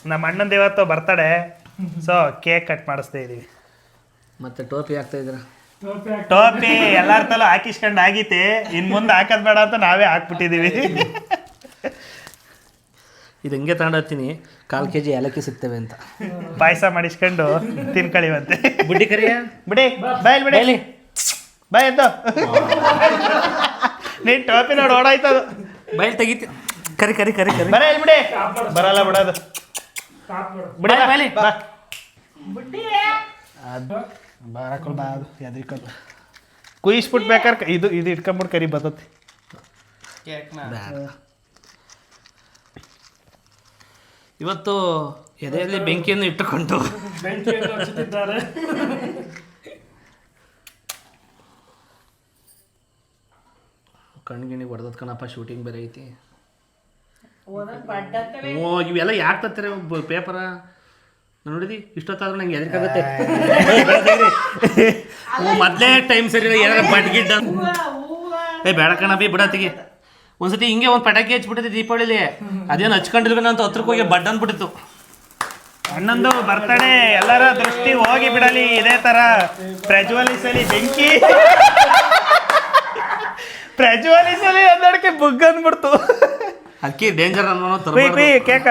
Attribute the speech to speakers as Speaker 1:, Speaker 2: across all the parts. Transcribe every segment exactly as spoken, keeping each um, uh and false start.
Speaker 1: ನಮ್ಮ ಅಣ್ಣಂದು ಇವತ್ತು birthday, so cake cut ಮಾಡಿಸ್ತಾ ಇದೀವಿ.
Speaker 2: ಮತ್ತೆ ಟೋಪಿ ಹಾಕ್ತಾ ಇದ್ರ?
Speaker 1: ಟೋಪಿ ಎಲ್ಲಾರ ತಲೂ ಹಾಕಿಸ್ಕೊಂಡು ಆಗೈತಿ, ಇನ್ ಮುಂದೆ ಹಾಕೋದ್ ಬೇಡ ಅಂತ ನಾವೇ ಹಾಕ್ಬಿಟ್ಟಿದೀವಿ.
Speaker 2: ಇದು ಹಿಂಗೆ ತಗೊಂಡೋಗ್ತೀನಿ, ಕಾಲು ಕೆ ಜಿ ಏಲಕ್ಕಿ ಸಿಗ್ತವೆ ಅಂತ.
Speaker 1: ಪಾಯಸ ಮಾಡಿಸ್ಕೊಂಡು ತಿನ್ಕಳಿವಂತೆ.
Speaker 2: ಬುಡ್ಡಿ ಕರಿಯ
Speaker 1: ಬಿಡಿ ಬಾಯ್ ಬಿಡಿ ಬಾಯ್ ಎದ್ದು. ನೀನ್ ಟೋಪಿ ನೋಡಿ ಓಡಾಯ್ತದು.
Speaker 2: ಬೈಲ್ ತೆಗಿತಿ. ಕರಿ ಕರಿ ಕರಿ ಕರಿ
Speaker 1: ಬರ ಬಿಡಿ. ಬರಲ್ಲ ಬಿಡೋದು. ಬಿಡಿ ಬಾಲಿ ಬಾ. ಬಾರಕೊಲ್ ಬಾ, ಅದು ಎದ್ರಿಕಲ್ ಕುಯಿಸ್ಬಿಟ್ಟು ಬೇಕಾರೆ ಇದು ಇದು ಇಟ್ಕೊಂಬಿಟ್ಟು ಕರಿ ಬರ್ತತಿ.
Speaker 2: ಇವತ್ತು ಎದೆಯಲ್ಲಿ ಬೆಂಕಿಯನ್ನು ಇಟ್ಟುಕೊಂಡು ಕಣ್ಗಿಣಿಗೆ ಹೊಡೆದದ್ ಕಣಪ್ಪ, ಶೂಟಿಂಗ್ ಬೇರೆ ಐತಿ. ಓ ಇವೆಲ್ಲ ಯಾಕೆ ತರ್ತಾರೆ ಪೇಪರ ನೋಡಿದಿ? ಇಷ್ಟೊತ್ತಾದ್ರೂ ನಂಗೆ ಎದಕ್ಕಾಗುತ್ತೆ. ಮೊದಲೇ ಟೈಮ್ ಸರಿ ಏನಾರ ಬಡ್ಗಿಡ್ಡ ಏ ಬೇಡ ಕಣ ಬಿ ಬಿಡತ್ತಿಗೆ. ಒಂದ್ಸತಿ ಹಿಂಗೆ ಒಂದು ಪಟಾಕಿ ಹಚ್ಬಿಟ್ಟಿದೆ ದೀಪಾವಳಿಲಿ, ಅದೇನು ಹಚ್ಕೊಂಡಿಲ್ವೇನೋ ಅಂತ ಹತ್ರಕ್ಕೆ ಹೋಗಿ ಬಡ್ ಅಂದ್ಬಿಟ್ಟಿತ್ತು.
Speaker 1: ಅಣ್ಣಂದು ಬರ್ತಡೇ ಎಲ್ಲರ ದೃಷ್ಟಿ ಹೋಗಿ ಬಿಡಲಿ, ಇದೇ ತರ ಪ್ರಜ್ವಲಿಸಲಿ ಬೆಂಕಿ. ಪ್ರಜ್ವಲಿಸಲಿ ಅಂದಕ್ಕೆ ಬುಗ್ ಅಂದ್ಬಿಡ್ತು.
Speaker 2: ಅದಕ್ಕೆ ಡೇಂಜರ್ ಅನ್ನೋ
Speaker 1: ಕೇಕ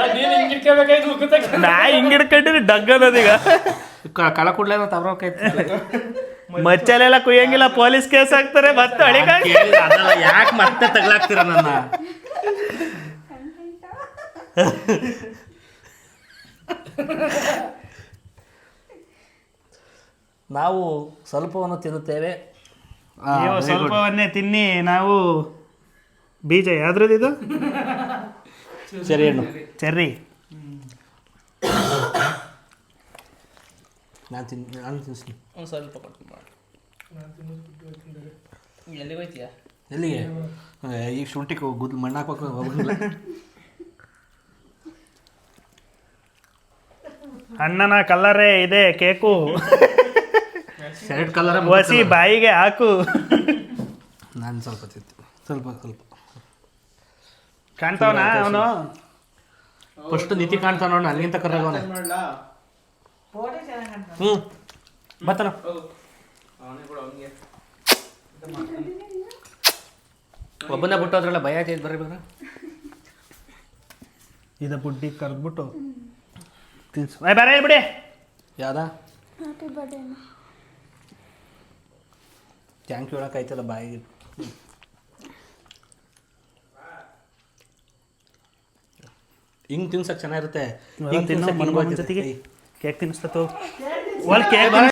Speaker 1: ನಾ ಹಿಂಗ್ ಹಿಡ್ಕೊಂಡಿರಿ ಡಗ್ ಅನ್ನೋದೀಗ.
Speaker 2: ಕಳ ಕುಡ್ಲೇನೋ ತಗೊಳಕೈತಿ.
Speaker 1: ಮಚ್ಚಲೆಲ್ಲ ಕುಯ್ಯಂಗಿಲ್ಲ, ಪೊಲೀಸ್ ಕೇಸ್ ಹಾಕ್ತಾರೆ. ಮತ್ತೆ ಅಳಿಗಾಗಿ
Speaker 2: ಯಾಕೆ ಮತ್ತೆ ತಗ್ಲಾಕ್ತೀರ ನನ್ನ? ನಾವು ಸ್ವಲ್ಪವನ್ನು ತಿನ್ನುತ್ತೇವೆ.
Speaker 1: ನೀವು ಸ್ವಲ್ಪವನ್ನೇ ತಿನ್ನಿ. ನಾವು ಬೀಜ ಯಾವ್ದ್ರದ್ದು ಇದು?
Speaker 2: ಸರಿ ಹಣ್ಣು
Speaker 1: ಚೆರ್ರಿ.
Speaker 2: ನಾನು ತಿನ್ ನಾನು ತಿನ್ನಿಸ್ತೀನಿ ಒಂದು ಸ್ವಲ್ಪ ಕೊಟ್ಟು ಮಾಡಿ. ಎಲ್ಲಿಗೆ ಹೋಯ್ತೀಯ? ಎಲ್ಲಿಗೆ? ಈಗ ಶುಂಠಿಗೆ ಗುದ್ಲು ಮಣ್ಣು ಹಾಕ್ಬೇಕು ಹೋಗಿಲ್ಲ.
Speaker 1: ಅಣ್ಣನ ಕಲ್ಲರೇ ಇದೆ ಕೇಕು.
Speaker 2: ಶರ್ಟ್ ಕಲರ್
Speaker 1: ಹಸಿ ಬಾಯಿಗೆ ಹಾಕು.
Speaker 2: ನಾನು ಸ್ವಲ್ಪ ತಿಂತೀನಿ, ಸ್ವಲ್ಪ ಸ್ವಲ್ಪ
Speaker 1: ಕಾಣ್ತಾವನ ಅವನು.
Speaker 2: ಫಸ್ಟ್ ನಿತಿ ಕಾಣ್ತಾವ ನೋಡ, ಅಲ್ಲಿಂದ ಕರ್ರಾಗವನೆ. ಹ್ಞೂ ಬತ್ತನ ಒಬ್ಬನ ಬಿಟ್ಟು ಅದ್ರಲ್ಲ ಭಯ ಆಯ್ತು. ಬರ್ರಿ ಬರ್ರಿ
Speaker 1: ಇದ ಬುಡ್ಡಿ ಕರೆದ್ಬಿಟ್ಟು ತಿನ್ಸು. ಬರ ಬಿಡಿ.
Speaker 2: ಯಾವ್ದಾ ಥ್ಯಾಂಕ್ ಯು ಹೇಳೋಕ್ಕಾಯ್ತಲ್ಲ ಬಾಯಿಗೆ. ಹಿಂಗೆ ತಿನ್ಸಕ್ಕೆ ಚೆನ್ನಾಗಿರುತ್ತೆ. ಹಿಂಗೆ ತಿನ್ನೋ
Speaker 1: ಕೇಕ್ ತಿನ್ನಿಸ್ತಾ ಕೇಕ್